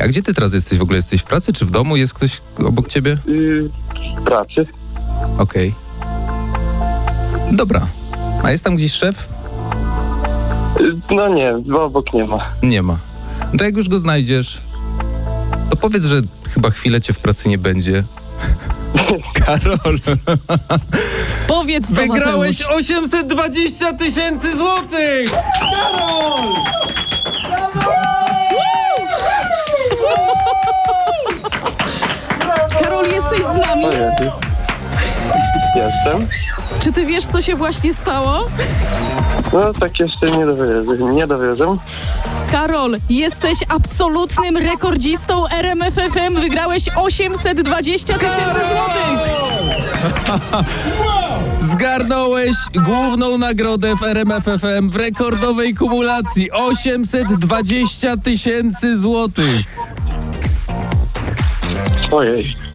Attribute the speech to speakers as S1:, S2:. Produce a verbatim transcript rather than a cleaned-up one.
S1: A gdzie ty teraz jesteś? W ogóle jesteś w pracy czy w domu? Jest ktoś obok ciebie?
S2: Yy, w pracy.
S1: Okej. Dobra. A jest tam gdzieś szef?
S2: Yy, no nie, bo obok nie ma.
S1: Nie ma. No to jak już go znajdziesz, to powiedz, że chyba chwilę cię w pracy nie będzie. Karol,
S3: Powiedz to,
S1: wygrałeś
S3: Mateusz.
S1: osiemset dwadzieścia tysięcy złotych! Karol!
S3: Karol, jesteś z nami?
S2: O Jezu. Jestem.
S3: Czy ty wiesz, co się właśnie stało?
S2: No tak jeszcze nie dowiedzę. Nie dowiedzę.
S3: Karol, jesteś absolutnym rekordzistą R M F F M. Wygrałeś osiemset dwadzieścia tysięcy złotych.
S1: Zgarnąłeś główną nagrodę w R M F F M w rekordowej kumulacji osiemset dwadzieścia tysięcy złotych.
S2: Ojej.